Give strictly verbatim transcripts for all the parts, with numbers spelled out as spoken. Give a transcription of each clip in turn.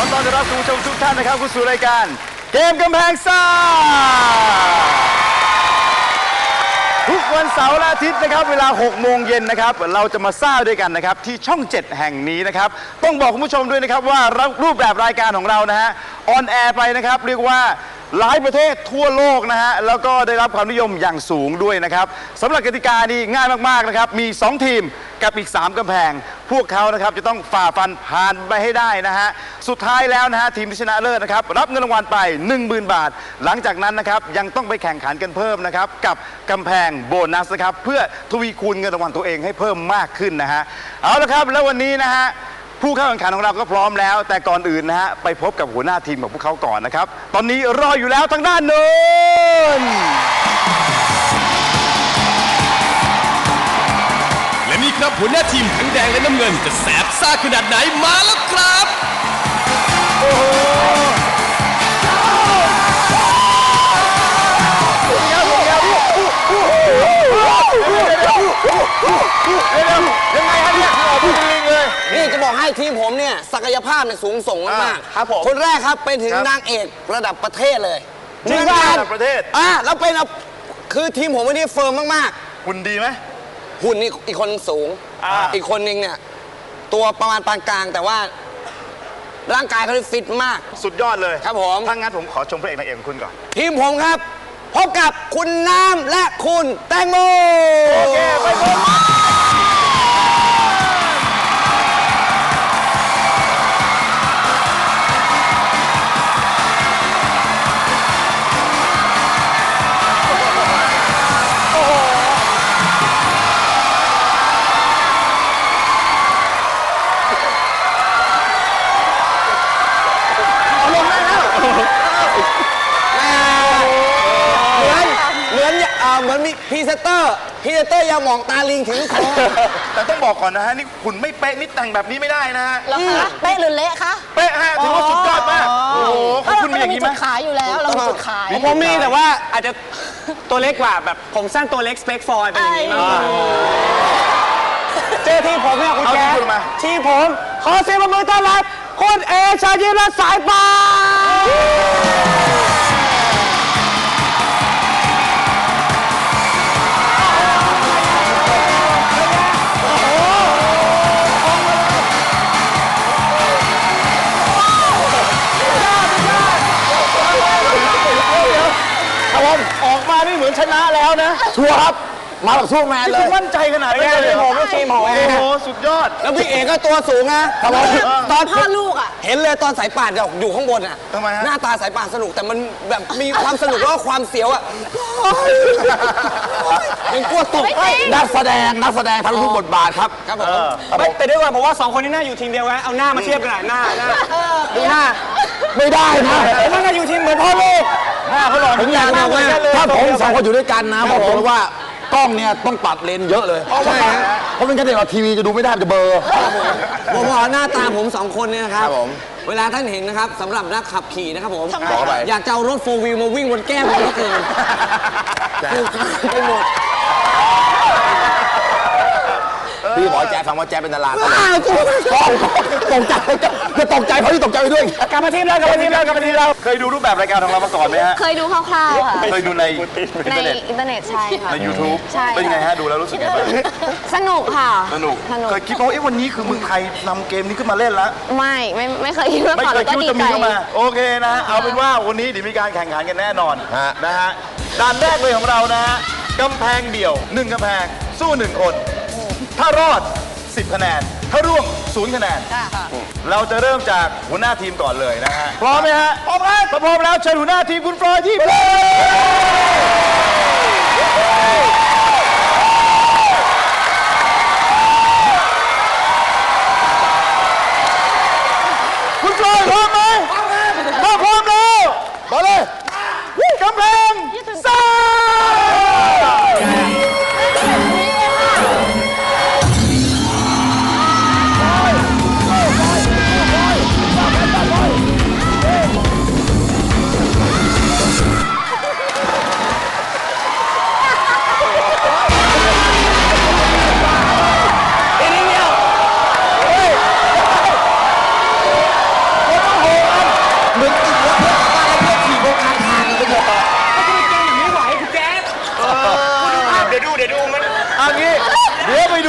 อต้อนรับคุณผู้ชมทุกท่านนะครับเข้าสู่รายการเกมกำแพงซ่าทุกวันเสาร์และอาทิตย์นะครับเวลาหกโมงเย็นนะครับเราจะมาซ่าด้วยกันนะครับที่ช่องเจ็ดแห่งนี้นะครับต้องบอกคุณผู้ชมด้วยนะครับว่ารูปแบบรายการของเรานะฮะออนแอร์ไปนะครับเรียกว่าหลายประเทศทั่วโลกนะฮะแล้วก็ได้รับความนิยมอย่างสูงด้วยนะครับสำหรับกติกานี้ง่ายมากๆนะครับมีสองทีมกับอีกสามกำแพงพวกเขานะครับจะต้องฝ่าฟันผ่านไปให้ได้นะฮะสุดท้ายแล้วนะฮะทีมที่ชนะเลิศนะครับรับเงินรางวัลไป หนึ่งหมื่น บาทหลังจากนั้นนะครับยังต้องไปแข่งขันกันเพิ่มนะครับกับกำแพงโบนัสนะครับเพื่อทวีคูณเงินรางวัลตัวเองให้เพิ่มมากขึ้นนะฮะเอาละครับแล้ววันนี้นะฮะผู้เข้าแข่งขันของเราก็พร้อมแล้วแต่ก่อนอื่นนะฮะไปพบกับหัวหน้าทีมของพวกเขาก่อนนะครับตอนนี้รออยู่แล้วทางด้านโน้นและนี่ครับหัวหน้าทีมทั้งแดงและน้ำเงินจะแสบซ่าขนาดไหนมาแล้วครับโอ้โหยังไงฮะเนี่ยพูดจริงเลยนี่จะบอกให้ทีมผมเนี่ยศักยภาพเนี่ยสูงส่งมากๆครับผมคนแรกครับเป็นถึงนางเอกระดับประเทศเลยนางเอกระดับประเทศอ่ะแล้วเป็นคือทีมผมวันนี้เฟิร์มมากๆหุ่นดีไหมหุ่นนี่อีกคนสูงอีกคนนึงเนี่ยตัวประมาณปานกลางแต่ว่าร่างกายเขาฟิตมากสุดยอดเลยครับผมถ้างั้นผมขอชมพระเอกนางเอกคุณก่อนทีมผมครับพบกับคุณน้ำและคุณแตงโมโอเคไปพบเหมือนมีพรีเซนเตอร์พรีเซนเตอร์ยาหมองตาลิงถึงคอแต่ต้องบอกก่อนนะฮะนี่คุณไม่เป๊ะนี่แต่งแบบนี้ไม่ได้นะฮะแล้วคะเป๊ะหรือเละคะเป๊ะฮะถือว่าสุดยอดมากโอ้โหของคุณมีอย่างนี้ไหมขายอยู่แล้วเรามีจุดขายผมมีแต่ว่าอาจจะตัวเล็กกว่าแบบผมสั้นตัวเล็กสเปคฟอยเป็นอย่างนี้มากเจอทีมผมเนี่ยคุณแกทีมผมขอเสียงปรบมือต้อนรับคุณเอชาญิรัตน์สายป่านออกมานี่เหมือนชนะแล้วนะชัวร์ครับมาแบบสู้แมนเลยมั่นใจขนาดนี้เลยผมก็ทีมผมโอ้โหสุดยอดแล้วพี่เอกก็ตัวสูงนะครับตอนพ่อลูกอ่ะเห็นเลยตอนสายป่านอยู่ข้างบนอ่ะทำไมฮะหน้าตาสายป่านสนุกแต่มันแบบมีความสนุกแล้วก็ความเสียวอ่ะยังกลัวตกนักแสดงนักแสดงทั้งทุกบทบาทครับครับผมแต่ด้วยว่าผมว่าสองคนนี้น่าอยู่ทีมเดียวกันเอาหน้ามาเทียบกันหน่อยหน้าหน้าดูหน้าไม่ได้นะมันน่าอยู่ทีมเหมือนพ่อลูกหน้าเขาหล่อผมอยากบอกว่าถ้าผมสองคนอยู่ด้วยกันนะบอกผมว่ากล้องเนี่ยต้องปัดเลนเยอะเลยใช่เพราะเป็นการเด็กเราทีวีจะดูไม่ได้จะเบลอผมบอกหน้าตาผมสองคนเนี่ยนะครับเวลาท่านเห็นนะครับสำหรับนักขับขี่นะครับผมอยากจะเอารถโฟร์วิวมาวิ่งบนแก้มผมก็เกินคือไปหมดพี่บอกแจ๊ฟังว่าแจ๊เป็นดาราก็ตกใจจะตกใจเพราะที่ตกใจไปด้วยกลับมาทีมเรากลับมาทีมเรากลับมาทีมเราเคยดูรูปแบบรายการของเรามาก่อนไหมฮะเคยดูคร่าวๆค่ะเคยดูในในอินเทอร์เน็ตใช่ค่ะใน ยูทูบใช่เป็นไงฮะดูแล้วรู้สึกไงบ้างสนุกค่ะสนุกเคยคิดว่าเอ๊ะวันนี้คือเมืองไทยนำเกมนี้ขึ้นมาเล่นแล้วไม่ไม่ไม่เคยคิดว่าไม่เคยคิดว่าจะมีเข้ามาโอเคนะเอาเป็นว่าวันนี้เดี๋ยวมีการแข่งขันกันแน่นอนนะฮะด่านแรกเลยของเรานะฮะกำแพงเดี่ยวหนึ่งกำแพงสู้หนึ่งคนถ้ารอดสิบคะแนนถ้าร่วงศูนย์คะแนนเราจะเริ่มจากหัวหน้าทีมก่อนเลยนะฮะพร้อมไหมฮะพร้อมครับพร้อมแล้วเชิญหัวหน้าทีมคุณฟลอยที่คุณฟลอยพร้อมไหมถ้าพร้อมแล้วมาเลยกำแพงซ่า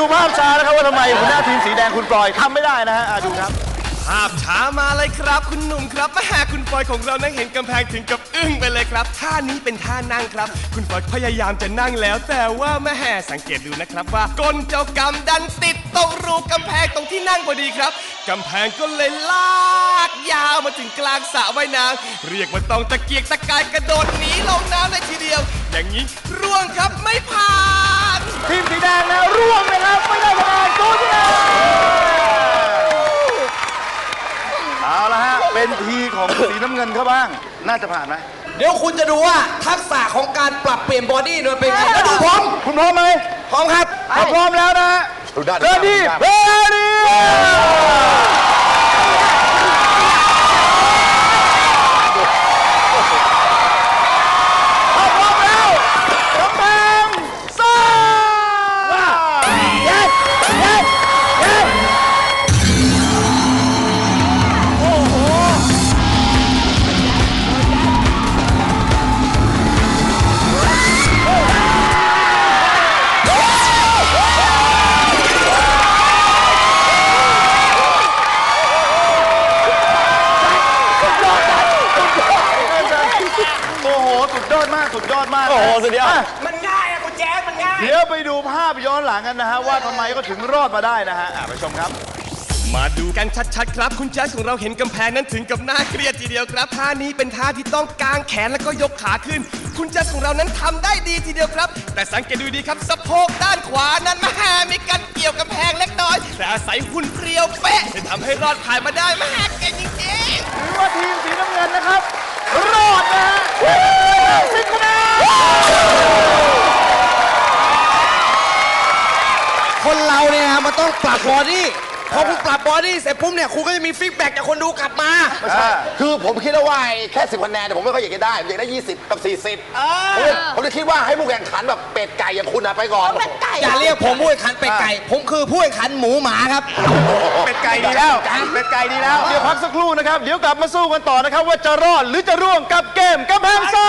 ภาพช้านะครับว่าทำไมหัวหน้าทีมสีแดงคุณปลอยทำไม่ได้นะฮะอ่ะดูครับภาพช้ามาเลยครับคุณหนุ่มครับแม่คุณปอยของเรานั่งเห็นกำแพงถึงกับอึ้งไปเลยครับท่านี้เป็นท่านั่งครับ คุณปอยพยายามจะนั่งแล้ว แต่ว่าแม่สังเกตดูนะครับว่าก้นเจ้ากรรมดันติดตรงรูกำแพงตรงที่นั่งพอดีครับกำแพงก็เลยลากยาวมาถึงกลางสระว่ายน้ำเรียกว่าต้องตะเกียกตะกายกระโดดหนีลงน้ำเลยทีเดียว อย่างนี้ร่วงครับไม่ผ่านทีมสีแดงนะร่วงนะครับไม่ได้คะแนนศูนย์คะแนนเอาละฮะเป็นทีของสีน้ำเงินเขาบ้างน่าจะผ่านไหมเดี๋ยวคุณจะดูว่าทักษะของการปรับเปลี่ยนบอดี้มันเป็นไงแล้วดูผมคุณพร้อมไหมพร้อมครับถ้าพร้อมแล้วนะฮะเรดี้เรดี้ถ้าพร้อมแล้วกำแพงซ่าเย็ดเย็ดเย็ดโอ้โหโอ้โห สุดยอดมาก สุดยอดมาก โอ้โห สุดยอดมันง่ายอะคุณแจ๊สมันง่ายเดี๋ยวไปดูภาพย้อนหลังกันนะฮะ ว่าทำไมก็ถึงรอดมาได้นะฮะอ่ะไปชมครับมาดูกันชัดๆครับคุณแจ๊สของเราเห็นกำแพงนั้นถึงกับน่าเครียดทีเดียวครับท่านี้เป็นท่าที่ต้องกางแขนแล้วก็ยกขาขึ้น คุณแจ๊สของเรานั้นทำได้ดีทีเดียวครับ แต่สังเกตดูดีครับสะโพกด้านขวานั้นแม่มีการเกี่ยวกำแพงเล็กน้อยแต่อาศัยหุ่นเพรียวเป๊ะที่ทำให้รอดผ่านมาได้แม่เก่งจริงๆถือว่าทีมสีน้ำเงินนะครับ รอดนะฮะสิบคะแนนคนเราเนี่ยนะมันต้องปรับบอดี้พอคุณปรับบอดี้เสร็จปุ๊บเนี่ยคุณก็จะมีฟีดแบ็กจากคนดูกลับมาไม่ใช่คือผมคิดว่าแค่สิบคะแนนแต่ผมไม่ค่อยอยากจะได้ ผมอยากได้ยี่สิบกับสี่สิบผมเลยผมเลยคิดว่าให้ผู้แข่งขันแบบเป็ดไก่อย่างคุณนะไปก่อนอย่าเรียกผมผู้แข่งขันเป็ดไก่ ผมคือผู้แข่งขันหมูหมาครับเป็ดไก่ดีแล้ว เป็ดไก่ดีแล้ว เดี๋ยวพักสักครู่นะครับ เดี๋ยวกลับมาสู้กันต่อนะครับ ว่าจะรอดหรือจะร่วงกับเกมกำแพงซ่า